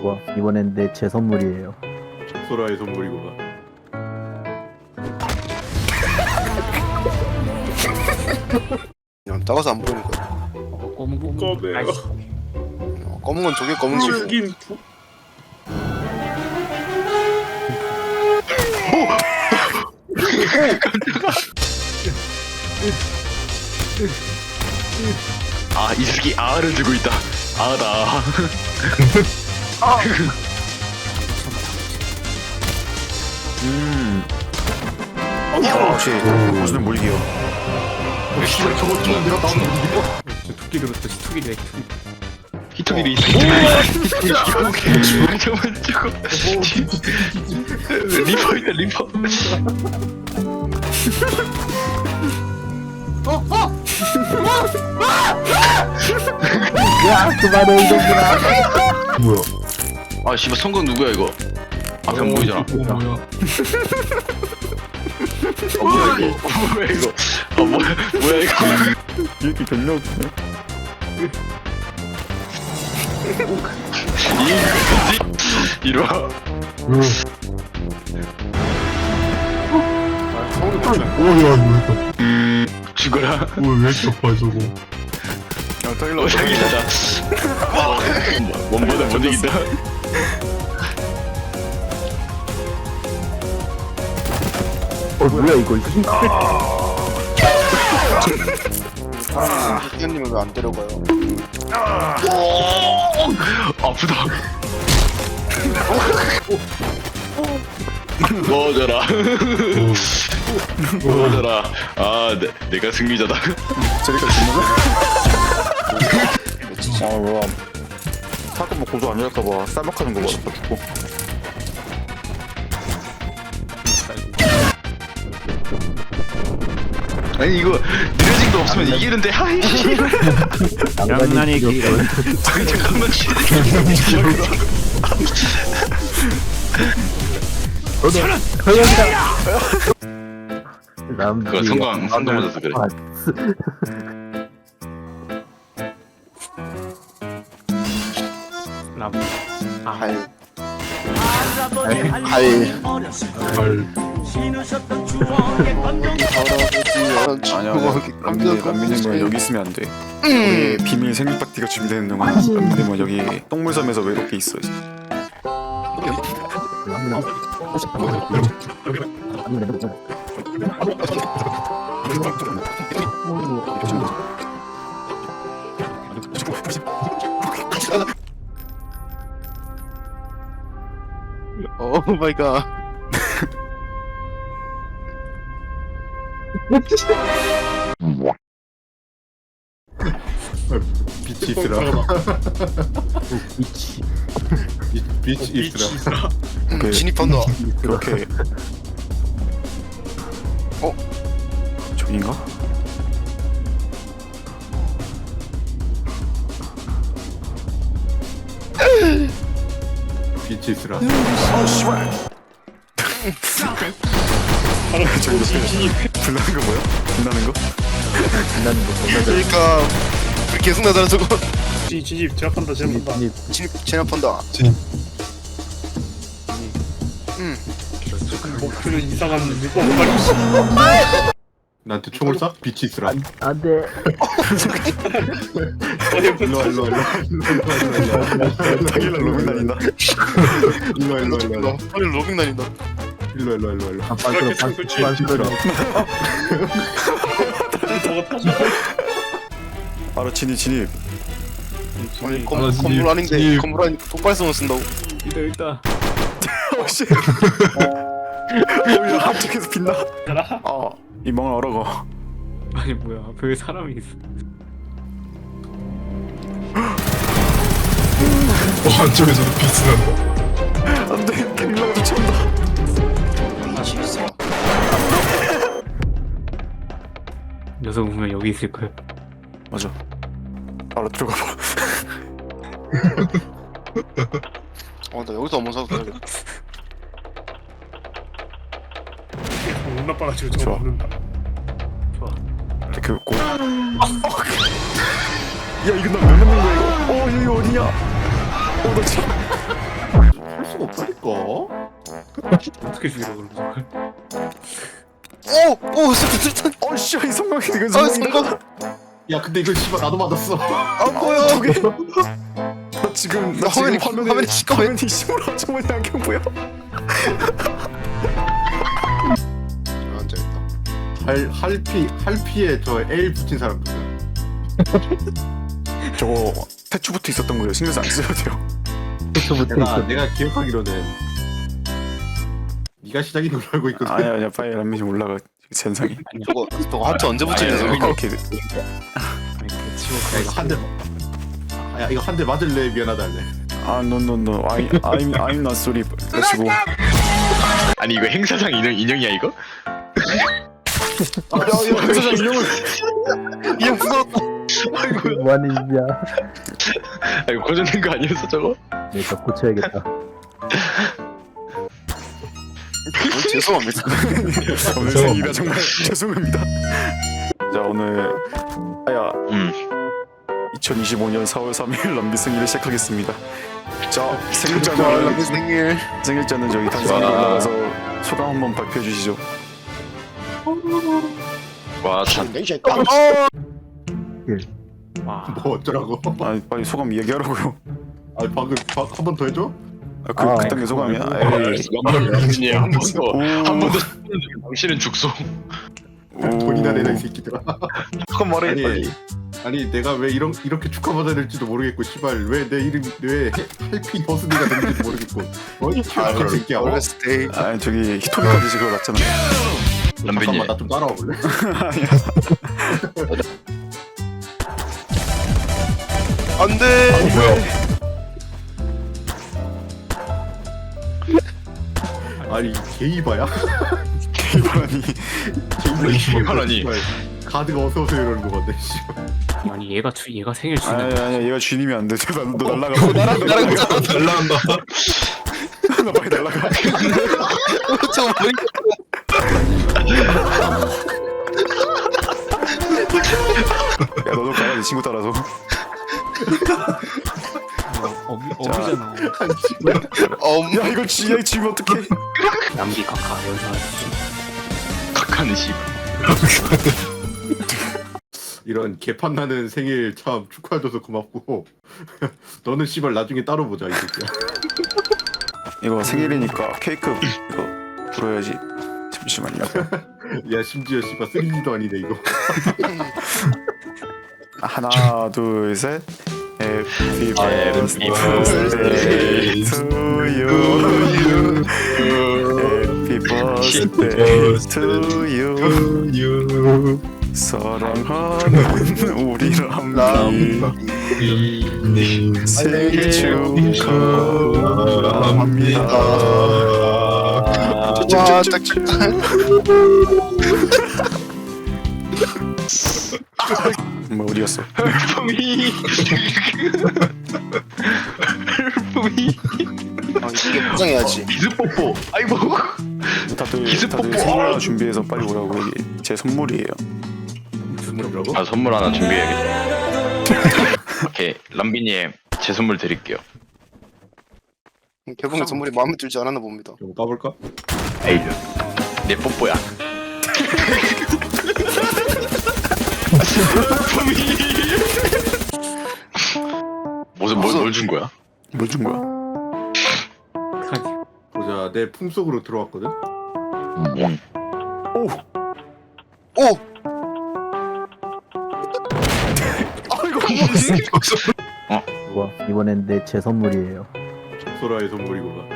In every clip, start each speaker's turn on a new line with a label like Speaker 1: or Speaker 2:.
Speaker 1: 좋아. 이번엔 제 선물이에요.
Speaker 2: 소라의 선물이구나.
Speaker 3: 그냥 작아서 안 보이는 거야.
Speaker 2: 꺼내요.
Speaker 3: 검은 건 저게 검은 거.
Speaker 2: 죽인 부...
Speaker 4: 아, 이 새끼 아를 들고 있다. 아다.
Speaker 5: 역시 무슨 몰기요.
Speaker 2: 저거 내가 나오는 거 저 토끼 들었다. 토끼래.
Speaker 4: 히토기리 있어. 잠깐만 저거. 리퍼이다 리퍼.
Speaker 1: 야, 그만해 이놈들아.
Speaker 5: 뭐야?
Speaker 4: 아 씨발 성공 누구야 이거? 앞에 안 보이잖아.
Speaker 2: 뭐야?
Speaker 4: 뭐야 이거? 뭐야 이거? 뭐야 이거?
Speaker 5: 이렇게 존나 웃기네.
Speaker 4: 이리 와.
Speaker 5: 오야 이거
Speaker 4: 죽어라.
Speaker 5: 왜 이렇게 아파 저거? 야 타일러
Speaker 4: 오장이다. 원보다 못 이긴다.
Speaker 1: 뭐야 이거?
Speaker 3: 흑연님은 왜 안 데려가요?
Speaker 4: 아프다. 먹어줘라. 먹어줘라. 아, 내가 승리자다.
Speaker 5: 저리가 존나. 아 뭐야? 사건 뭐 고소 안 될까봐 쌀먹하는 거 같아 죽고.
Speaker 4: 아니 이거 느려진 거 없으면 이기는데 하이.
Speaker 1: 양난이 길어.
Speaker 4: 잠깐만. 그거 성광 맞아서 그래.
Speaker 3: 할.
Speaker 5: 아니야 람미님은 여기 있으면 안 돼. 우리 비밀 생일 파티가 준비되는 동안 람미님은 여기 똥물섬에서 외롭게 있어.
Speaker 3: 오 마이 갓.
Speaker 2: 빛이 있으라.
Speaker 1: 미치.
Speaker 2: 빛이 있으라.
Speaker 5: 그
Speaker 3: 진입한다.
Speaker 5: 그렇게. 저긴가?
Speaker 2: 빛이 있으라.
Speaker 5: 저기 불나는 거 뭐야? 불나는 거?
Speaker 3: 그러니까 불 계속 나잖아 저거.
Speaker 6: 진입 제압한다 제압한다
Speaker 3: 진입 제압한다.
Speaker 6: 목표는 이상한 물건을
Speaker 2: 나한테 총을 쏴? 빛이 있으라.
Speaker 1: 안돼.
Speaker 2: 일로 와.
Speaker 5: 타길라 로밍 다닌다.
Speaker 2: 일로 와.
Speaker 3: 빨리 로빙 다닌다.
Speaker 2: 일로 와.
Speaker 1: 반스러.
Speaker 5: 바로 진입.
Speaker 3: 아니 건물 아닌데 건물 아니니까 폭발성을 쓴다고.
Speaker 2: 있다.
Speaker 5: 어씨. 야 한쪽에서 빛나. 이 멍을 얼어가.
Speaker 2: 아니 뭐야? 앞에 왜 사람이 있어?
Speaker 6: 한쪽에서도 빛이 난다
Speaker 5: 안돼 길라가 쫓아온다.
Speaker 3: 빛이 있어.
Speaker 2: 녀석 보면 여기 있을 거야.
Speaker 5: 맞아. 바로 들어가 봐.
Speaker 3: 나 여기서 한번 사도 돼.
Speaker 6: 운 나빠가지고 저거
Speaker 5: 좋아.
Speaker 6: 먹는다
Speaker 5: 그 고. 야 이거 나왜 맞는 거야 이거? 이거 어디냐? 나 지금.
Speaker 2: 수가 없다니까.
Speaker 6: 어떻게 죽이라고 그러는 거야?
Speaker 3: 오 수류탄.
Speaker 5: 어씨 이 성광이 이건
Speaker 3: 아
Speaker 5: 성광이다.
Speaker 3: 성공.
Speaker 2: 야 근데 이거 씨발 나도 맞았어.
Speaker 3: 안 보여.
Speaker 5: 나 지금
Speaker 3: 나 화면이 화면이 시꺼매.
Speaker 5: 화면이 시무라 정말 안경 보여.
Speaker 3: 앉아있다.
Speaker 2: 할피에 저 L 붙인 사람 누구야?
Speaker 5: 저거 태초부터 있었던 거예요. 신경 안 쓰셔도 돼요.
Speaker 1: 부터 있어.
Speaker 2: 내가 기억하기로는 네가 시작인 걸로 알고 있거든.
Speaker 5: 아니야 빨리 람미지 올라가 현상이.
Speaker 3: 저거 하트 언제 붙이냐 저거.
Speaker 5: 이렇게
Speaker 2: 야, 이거 한 대. 야 이거 한 대 맞을래 미안하다 할래.
Speaker 5: no I'm not sorry. 그래가지고
Speaker 4: 아니 이거 행사장 인형이야 이거?
Speaker 5: 행사장 인형을
Speaker 3: 이형 무서웠다.
Speaker 1: 뭐하는 짓이야.
Speaker 4: 아 이거 고정된 거 아니었어 저거?
Speaker 1: 내가 고쳐야겠다.
Speaker 3: 죄송합니다.
Speaker 5: 오늘 생일이라 정말 죄송합니다. 자 오늘 2025년 4월 3일 람비 생일을 시작하겠습니다. 자 생일자는
Speaker 3: 생일.
Speaker 5: 생일자는 저기 단상에 올라가서 소감 한번 발표해 주시죠.
Speaker 4: 와참
Speaker 2: 뭐 어쩌라고?
Speaker 5: 아 빨리 소감 얘기하라고요.
Speaker 2: 아 방금 한 번 더 해줘?
Speaker 5: 그딴 게 소감이야? 에이.
Speaker 4: 한번더 당신은 죽소.
Speaker 2: 돈이나 내라 이 새끼들아.
Speaker 4: 그건 말해
Speaker 2: 아니,
Speaker 4: 빨리.
Speaker 2: 아니 내가 왜 이렇게 축하받아야 될지도 모르겠고 씨발 왜 내 이름이 왜 할피 버스데이가 되는지도 모르겠고 어이 개같은 새끼야.
Speaker 3: 버스데이.
Speaker 5: 아 저기 히토미까지 그거 났잖아.
Speaker 4: 람비님
Speaker 2: 잠깐만 나 좀 따라와 볼래?
Speaker 3: 안돼.
Speaker 2: 아니 게이바야?
Speaker 4: 게이바라니.
Speaker 2: 가드가 어서 오세요 이러는 거 같네. 씨발.
Speaker 6: 아니 얘가 생일 주는
Speaker 5: 아니야 얘가 주인이면 안 돼. 너 날라가.
Speaker 3: 나랑
Speaker 5: 날라간다. 나 빨리 날라가.
Speaker 3: 잠깐만.
Speaker 5: 야 너도 가야 돼 친구 따라서.
Speaker 6: 어미잖아.
Speaker 5: 야 이거 쥐야 지금 어떡해.
Speaker 6: 남기 카카 연상하지.
Speaker 4: 각하는 씨.
Speaker 2: 이런 개판 나는 생일 참 축하해줘서 고맙고 너는 씨발 나중에 따로 보자 이 새끼야.
Speaker 5: 이거 생일이니까 케이크 이거 불어야지. 잠시만요.
Speaker 2: 야 심지어 씨발 3D도 아니네 이거.
Speaker 5: 하나 둘 셋. Happy birthday to you. Happy birthday to you. 사랑하는 우리 람비 생일 축하합니다.
Speaker 3: 와 짝짝짝.
Speaker 5: 뭐 어디였어?
Speaker 4: 헬프미. 헬프미.
Speaker 3: 아 이게 포장해야지.
Speaker 4: 기습뽀뽀. 아이고.
Speaker 5: 다들
Speaker 4: 기습뽀뽀.
Speaker 5: 선물 하나 준비해서 빨리 오라고. 이게 제 선물이에요.
Speaker 2: 선물이라고?
Speaker 4: 아 선물 하나 준비해야겠다. 오케이 람비님 제 선물 드릴게요.
Speaker 3: 개봉의 선물이 마음에 들지 않았나 봅니다.
Speaker 2: 좀 까볼까?
Speaker 4: 에이 내 뽀뽀야. 뭘 준 거야?
Speaker 5: 뭘 준 거야?
Speaker 2: 보자 내 품속으로 들어왔거든?
Speaker 3: 오.
Speaker 1: 우와, 이번엔 제 선물이에요.
Speaker 2: 소라의 선물이구나.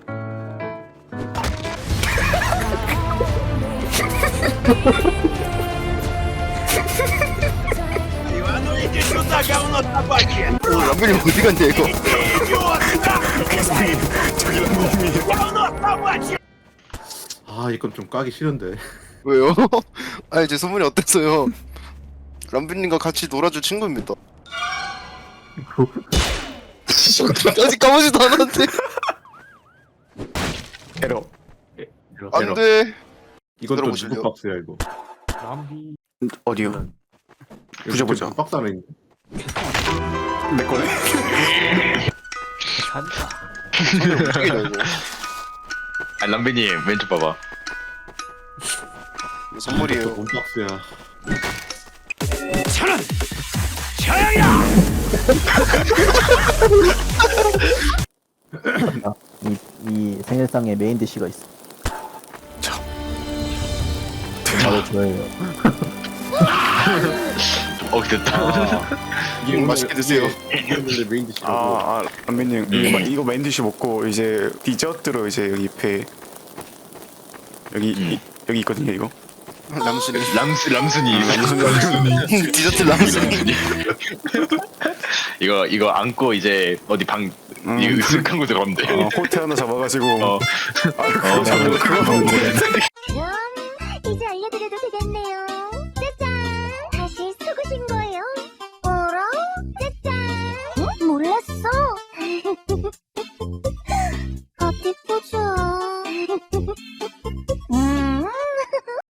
Speaker 3: 람벨이 어디 갔냐 이거.
Speaker 2: 아 이건 좀 까기 싫은데.
Speaker 3: 왜요? 아니 제 선물이 어땠어요? 람벨님과 같이 놀아줄 친구입니다. 아직 까보지도 않았는데.
Speaker 5: 에러.
Speaker 3: 안돼.
Speaker 2: 이건 또
Speaker 3: 들어보실래요?
Speaker 2: 누구 박스야 이거?
Speaker 6: 람비.
Speaker 5: 어디요? 보자.
Speaker 2: 박스 안에 있는데?
Speaker 5: 내 거네.
Speaker 6: 산다.
Speaker 3: 손을 움직이려 이거.
Speaker 4: 아 람비님 왼쪽 봐봐.
Speaker 3: 이거 선물이에요.
Speaker 2: 몸박스야.
Speaker 1: 이 생일상에 메인 디쉬가 있어.
Speaker 5: 자.
Speaker 1: 바로 저예요.
Speaker 4: 됐다.
Speaker 2: 이게
Speaker 3: 맛있게 드세요.
Speaker 2: 이게 원래 메인 디시라고.
Speaker 5: 람비님 이거 메인 디시 먹고 이제 디저트로 이제 여기 배 여기 여기 있거든요 이거.
Speaker 3: 람순이.
Speaker 4: 람순이
Speaker 3: 디저트 람순이.
Speaker 4: 이거 안고 이제 어디 방 이거 으슥한 곳 들어가면 돼.
Speaker 5: 호텔 하나 잡아가지고
Speaker 4: 어.
Speaker 5: 그거 먹는데